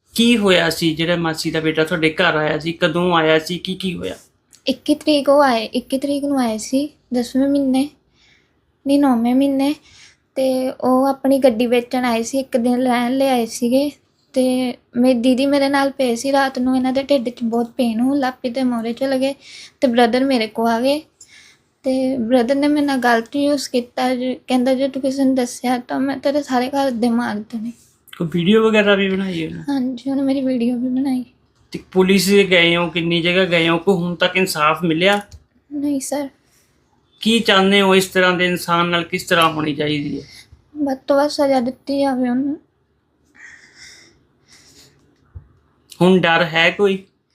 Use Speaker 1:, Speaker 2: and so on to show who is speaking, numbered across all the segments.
Speaker 1: ਕੀ ਹੋਇਆ ਸੀ ਜਿਹੜਾ ਮਾਸੀ ਦਾ ਬੇਟਾ ਤੁਹਾਡੇ ਘਰ ਆਇਆ ਸੀ? ਕਦੋਂ ਆਇਆ ਸੀ? ਕੀ ਹੋਇਆ?
Speaker 2: 21 ਤਰੀਕ ਉਹ ਆਏ, 21 ਤਰੀਕ ਨੂੰ ਆਏ ਸੀ 10ਵੇਂ ਮਹੀਨੇ ਨਹੀਂ 9ਵੇਂ ਮਹੀਨੇ। ਅਤੇ ਉਹ ਆਪਣੀ ਗੱਡੀ ਵੇਚਣ ਆਏ ਸੀ, ਇੱਕ ਦਿਨ ਰਹਿਣ ਲਈ ਆਏ ਸੀਗੇ। ਅਤੇ ਮੇਰੀ ਦੀਦੀ ਮੇਰੇ ਨਾਲ ਪਏ ਸੀ। ਰਾਤ ਨੂੰ ਇਹਨਾਂ ਦੇ ਢਿੱਡ 'ਚ ਬਹੁਤ ਪੇਨ ਹੋਣ ਲੱਗ ਪਈ ਅਤੇ ਮੋਰੇ ਚਲੇ ਗਏ ਅਤੇ ਬ੍ਰਦਰ ਮੇਰੇ ਕੋਲ ਆ ਗਏ। ਅਤੇ ਬ੍ਰਦਰ ਨੇ ਮੇਰੇ ਨਾਲ ਗਲਤ ਯੂਜ਼ ਕੀਤਾ, ਕਹਿੰਦਾ ਜੇ ਤੂੰ ਕਿਸੇ ਨੂੰ ਦੱਸਿਆ ਤਾਂ ਮੈਂ ਤੇਰੇ ਸਾਰੇ ਘਰ ਦੇ ਮਾਰ ਦੇਣੇ।
Speaker 1: ਕੋਈ ਵੀਡੀਓ ਵਗੈਰਾ ਵੀ ਬਣਾਈ ਹੈ?
Speaker 2: ਹਾਂਜੀ, ਉਹਨੇ ਮੇਰੀ ਵੀਡੀਓ ਵੀ ਬਣਾਈ।
Speaker 1: ਤੇ ਪੁਲਿਸ ਦੇ ਗਏ ਹੋ? ਕਿੰਨੀ ਜਗ੍ਹਾ ਗਏ ਹੋ? ਕੋਈ ਹੁਣ ਤੱਕ ਇਨਸਾਫ ਮਿਲਿਆ?
Speaker 2: ਨਹੀਂ ਸਰ।
Speaker 1: ਕੀ ਚਾਹੁੰਦੇ ਹੋ? ਇਸ ਤਰ੍ਹਾਂ ਦੇ ਇਨਸਾਨ ਨਾਲ ਕਿਸ ਤਰ੍ਹਾਂ ਹੋਣੀ ਚਾਹੀਦੀ ਹੈ?
Speaker 2: ਵੱਧ ਤੋਂ ਵੱਧ ਸਜ਼ਾ ਦਿੱਤੀ ਜਾਵੇ ਉਹਨੂੰ।
Speaker 1: ਹੁਣ ਡਰ ਹੈ ਕੋਈ?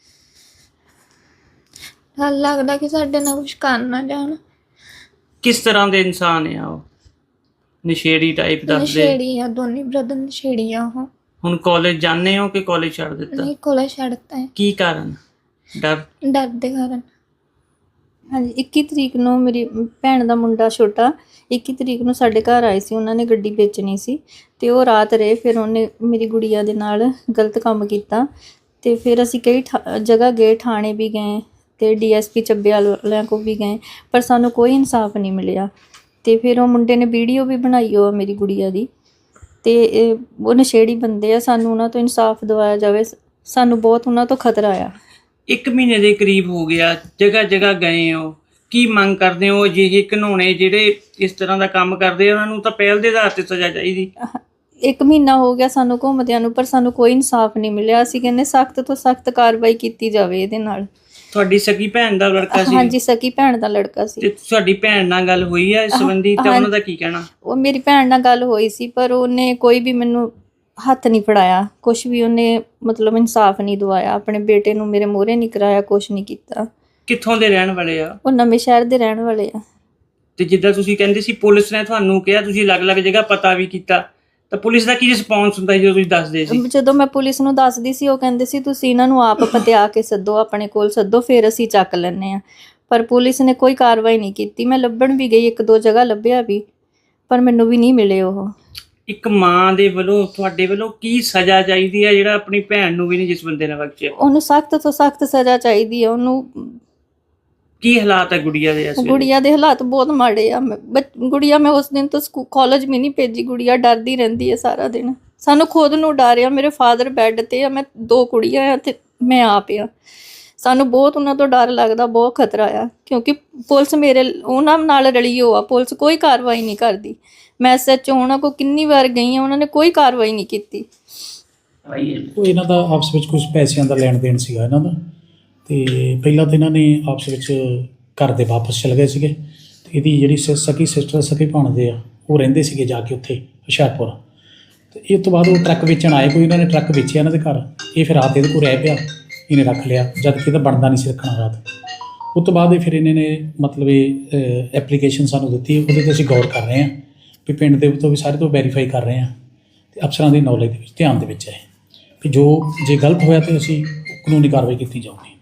Speaker 2: ਡਰ ਲੱਗਦਾ ਕਿ ਸਾਡੇ ਨਾਲ ਕੁਛ ਕਰ ਨਾ ਜਾਣ।
Speaker 1: ਕਿਸ ਤਰ੍ਹਾਂ ਦੇ ਇਨਸਾਨ ਆ ਉਹ? ਨਸ਼ੇੜੀ ਟਾਈਪ ਦੱਸਦੇ?
Speaker 2: ਨਸ਼ੇੜੀ ਆ, ਦੋਨੇ ਬ੍ਰਦਰ ਨਸ਼ੇੜੀ ਆ ਉਹ।
Speaker 1: ਹੁਣ ਕਾਲਜ ਜਾਂਦੇ ਹੋ ਕਿ ਕਾਲਜ ਛੱਡ ਦਿੱਤਾ?
Speaker 2: ਨਹੀਂ, ਕੋਲੇ ਛੱਡਤਾ ਹੈ।
Speaker 1: ਕੀ ਕਾਰਨ? ਡਰ
Speaker 2: ਦੇ ਕਾਰਨ।
Speaker 3: ਹਾਂਜੀ, 21 ਤਰੀਕ ਨੂੰ ਮੇਰੀ ਭੈਣ ਦਾ ਮੁੰਡਾ ਛੋਟਾ 21 ਤਰੀਕ ਨੂੰ ਸਾਡੇ ਘਰ ਆਏ ਸੀ। ਉਹਨਾਂ ਨੇ ਗੱਡੀ ਵੇਚਣੀ ਸੀ ਅਤੇ ਉਹ ਰਾਤ ਰਹੇ। ਫਿਰ ਉਹਨੇ ਮੇਰੀ ਗੁੜੀਆ ਦੇ ਨਾਲ ਗਲਤ ਕੰਮ ਕੀਤਾ ਅਤੇ ਫਿਰ ਅਸੀਂ ਕਈ ਜਗ੍ਹਾ ਗਏ, ਥਾਣੇ ਵੀ ਗਏ ਅਤੇ DSP ਚੱਬੇਵਾਲ ਵਾਲਿਆਂ ਕੋਲ ਵੀ ਗਏ, ਪਰ ਸਾਨੂੰ ਕੋਈ ਇਨਸਾਫ ਨਹੀਂ ਮਿਲਿਆ। ਅਤੇ ਫਿਰ ਉਹ ਮੁੰਡੇ ਨੇ ਵੀਡੀਓ ਵੀ ਬਣਾਈ ਉਹ ਮੇਰੀ ਗੁੜੀਆ ਦੀ, ਅਤੇ ਉਹ ਨਸ਼ੇੜੀ ਬੰਦੇ ਆ। ਸਾਨੂੰ ਉਹਨਾਂ ਤੋਂ ਇਨਸਾਫ ਦਿਵਾਇਆ ਜਾਵੇ, ਸਾਨੂੰ ਬਹੁਤ ਉਹਨਾਂ ਤੋਂ ਖਤਰਾ ਆ।
Speaker 1: 1 ਮਹੀਨੇ ਦੇ ਕਰੀਬ ਹੋ ਗਿਆ, ਜਗ੍ਹਾ ਜਗ੍ਹਾ ਗਏ ਹੋ, ਕੀ ਮੰਗ ਕਰਦੇ ਹੋ? ਅਜਿਹੇ ਘਿਨੌਣੇ ਜਿਹੜੇ ਇਸ ਤਰ੍ਹਾਂ ਦਾ ਕੰਮ ਕਰਦੇ ਆ ਉਹਨਾਂ ਨੂੰ ਤਾਂ ਪਹਿਲ ਦੇ ਆਧਾਰ 'ਤੇ ਸਜ਼ਾ ਚਾਹੀਦੀ।
Speaker 3: 1 ਮਹੀਨਾ ਹੋ ਗਿਆ ਸਾਨੂੰ ਘੁੰਮਦਿਆਂ ਨੂੰ, ਪਰ ਸਾਨੂੰ ਕੋਈ ਇਨਸਾਫ ਨਹੀਂ ਮਿਲਿਆ। ਅਸੀਂ ਕਹਿੰਦੇ ਸਖਤ ਤੋਂ ਸਖਤ ਕਾਰਵਾਈ ਕੀਤੀ ਜਾਵੇ ਇਹਦੇ ਨਾਲ।
Speaker 1: ਤੁਹਾਡੀ ਸਕੀ ਭੈਣ ਦਾ ਲੜਕਾ ਸੀ?
Speaker 3: ਹਾਂਜੀ, ਸਕੀ ਭੈਣ ਦਾ ਲੜਕਾ ਸੀ।
Speaker 1: ਤੇ ਤੁਹਾਡੀ ਭੈਣ ਨਾਲ ਗੱਲ ਹੋਈ ਹੈ ਇਸ ਸੰਬੰਧੀ? ਤਾਂ ਉਹਨਾਂ ਦਾ ਕੀ ਕਹਿਣਾ?
Speaker 3: ਉਹ ਮੇਰੀ ਭੈਣ ਨਾਲ ਗੱਲ ਹੋਈ ਸੀ, ਪਰ ਉਹਨੇ ਕੋਈ ਵੀ ਮੈਨੂੰ ਹੱਥ ਨਹੀਂ ਫੜਾਇਆ, ਕੁਛ ਵੀ ਉਹਨੇ ਮਤਲਬ ਇਨਸਾਫ ਨਹੀਂ ਦਵਾਇਆ। ਆਪਣੇ ਬੇਟੇ ਨੂੰ ਮੇਰੇ ਮੂਹਰੇ ਨਹੀਂ ਕਰਾਇਆ, ਕੁਛ ਨਹੀਂ ਕੀਤਾ।
Speaker 1: ਕਿੱਥੋਂ ਦੇ ਰਹਿਣ ਵਾਲੇ ਆ?
Speaker 3: ਉਹ ਨਵੇਂ ਸ਼ਹਿਰ ਦੇ ਰਹਿਣ ਵਾਲੇ ਆ।
Speaker 1: ਤੇ ਜਿੱਦਾਂ ਤੁਸੀਂ ਕਹਿੰਦੇ ਸੀ ਪੁਲਿਸ ਨੇ ਤੁਹਾਨੂੰ ਕਿਹਾ, ਤੁਸੀਂ ਅਲੱਗ-ਅਲੱਗ ਜਗ੍ਹਾ ਪਤਾ ਵੀ ਕੀਤਾ, ਤਾਂ ਪੁਲਿਸ ਦਾ ਕੀ ਰਿਸਪੌਂਸ ਹੁੰਦਾ ਜਦੋਂ ਤੁਸੀਂ ਦੱਸਦੇ ਸੀ?
Speaker 3: ਜਦੋਂ ਮੈਂ ਪੁਲਿਸ ਨੂੰ ਦੱਸਦੀ ਸੀ, ਉਹ ਕਹਿੰਦੇ ਸੀ ਤੁਸੀਂ ਇਹਨਾਂ ਨੂੰ ਆਪ ਪਤਿਆ ਕੇ ਸੱਦੋ, ਆਪਣੇ ਕੋਲ ਸੱਦੋ, ਫਿਰ ਅਸੀਂ ਚੱਕ ਲੈਂਦੇ ਹਾਂ। ਪਰ ਪੁਲਿਸ ਨੇ ਕੋਈ ਕਾਰਵਾਈ ਨਹੀਂ ਕੀਤੀ। ਮੈਂ ਲੱਭਣ ਵੀ ਗਈ, 1-2 ਜਗ੍ਹਾ ਲੱਭਿਆ ਵੀ, ਪਰ ਮੈਨੂੰ ਵੀ ਨਹੀਂ ਮਿਲੇ ਉਹ।
Speaker 1: ਇੱਕ ਮਾਂ ਦੇ ਵੱਲੋਂ ਤੁਹਾਡੇ ਵੱਲੋਂ ਕੀ ਸਜ਼ਾ ਚਾਹੀਦੀ ਹੈ ਜਿਹੜਾ ਆਪਣੀ ਭੈਣ ਨੂੰ ਵੀ ਨਹੀਂ ਜਿਸ ਬੰਦੇ ਨੇ ਬਖਸ਼ਿਆ?
Speaker 3: ਉਹਨੂੰ ਸਖਤ ਤੋਂ ਸਖਤ ਸਜ਼ਾ ਚਾਹੀਦੀ ਹੈ। ਉਹਨੂੰ
Speaker 1: ਕੀ ਹਾਲਾਤ ਹੈ ਗੁੜੀਆ ਦੇ ਇਸ ਵੇਲੇ?
Speaker 3: ਗੁੜੀਆ ਦੇ ਹਾਲਾਤ ਬਹੁਤ ਮਾੜੇ ਆ। ਗੁੜੀਆ ਮੈਂ ਉਸ ਦਿਨ ਤੋਂ ਕਾਲਜ ਵੀ ਨਹੀਂ ਭੇਜੀ। ਗੁੜੀਆ ਡਰਦੀ ਰਹਿੰਦੀ ਹੈ ਸਾਰਾ ਦਿਨ। ਸਾਨੂੰ ਖੁਦ ਨੂੰ ਡਰ ਆ। ਮੇਰੇ ਫਾਦਰ ਬੈੱਡ 'ਤੇ ਆ, ਮੈਂ 2 ਕੁੜੀਆਂ ਆ ਅਤੇ ਮੈਂ ਆਪ ਆ। ਸਾਨੂੰ ਬਹੁਤ ਉਹਨਾਂ ਤੋਂ ਡਰ ਲੱਗਦਾ, ਬਹੁਤ ਖਤਰਾ ਆ, ਕਿਉਂਕਿ ਪੁਲਿਸ ਮੇਰੇ ਉਹਨਾਂ ਨਾਲ ਰਲੀ ਹੋ ਆ। ਪੁਲਿਸ ਕੋਈ ਕਾਰਵਾਈ ਨਹੀਂ ਕਰਦੀ। ਮੈਂ SHO ਉਹਨਾਂ ਕੋਲ ਕਿੰਨੀ ਵਾਰ ਗਈ ਹਾਂ, ਉਹਨਾਂ ਨੇ ਕੋਈ ਕਾਰਵਾਈ ਨਹੀਂ ਕੀਤੀ।
Speaker 4: ਉਹ ਇਹਨਾਂ ਦਾ ਆਪਸ ਵਿੱਚ ਕੁਝ ਪੈਸਿਆਂ ਦਾ ਲੈਣ ਦੇਣ ਸੀਗਾ ਇਹਨਾਂ ਦਾ, ਅਤੇ ਪਹਿਲਾਂ ਤਾਂ ਇਹਨਾਂ ਨੇ ਆਪਸ ਵਿੱਚ ਘਰ ਦੇ ਵਾਪਸ ਚਲੇ ਗਏ ਸੀਗੇ। ਅਤੇ ਇਹਦੀ ਜਿਹੜੀ ਸਕੀ ਸਿਸਟਰ ਸਕੀ ਭਾਣਦੇ ਆ, ਉਹ ਰਹਿੰਦੇ ਸੀਗੇ ਜਾ ਕੇ ਉੱਥੇ ਹੁਸ਼ਿਆਰਪੁਰ। ਅਤੇ ਇਹ ਤੋਂ ਬਾਅਦ ਉਹ ਟਰੱਕ ਵੇਚਣ ਆਏ, ਕੋਈ ਇਹਨਾਂ ਨੇ ਟਰੱਕ ਵੇਚਿਆ ਇਹਨਾਂ ਦੇ ਘਰ। ਇਹ ਫਿਰ ਰਾਤ ਇਹਦੇ ਕੋਲ ਰਹਿ ਪਿਆ, ਇਹਨੇ ਰੱਖ ਲਿਆ, ਜਦ ਕਿ ਇਹਦਾ ਬਣਦਾ ਨਹੀਂ ਸੀ ਰੱਖਣਾ ਰਾਤ। ਉਸ ਤੋਂ ਬਾਅਦ ਇਹ ਫਿਰ ਇਹਨਾਂ ਨੇ ਮਤਲਬ ਇਹ ਐਪਲੀਕੇਸ਼ਨ ਸਾਨੂੰ ਦਿੱਤੀ, ਉਹਦੇ 'ਤੇ ਅਸੀਂ ਗੌਰ ਕਰ ਰਹੇ ਹਾਂ ਵੀ ਪਿੰਡ ਦੇ ਤੋਂ ਵੀ ਸਾਰੇ ਤੋਂ ਵੈਰੀਫਾਈ ਕਰ ਰਹੇ ਹਾਂ, ਅਤੇ ਅਫਸਰਾਂ ਦੀ ਨੌਲੇਜ ਦੇ ਵਿੱਚ ਧਿਆਨ ਦੇ ਵਿੱਚ ਹੈ ਵੀ ਜੇ ਗਲਤ ਹੋਇਆ ਤਾਂ ਅਸੀਂ ਕਾਨੂੰਨੀ ਕਾਰਵਾਈ ਕੀਤੀ ਜਾਊਗੀ।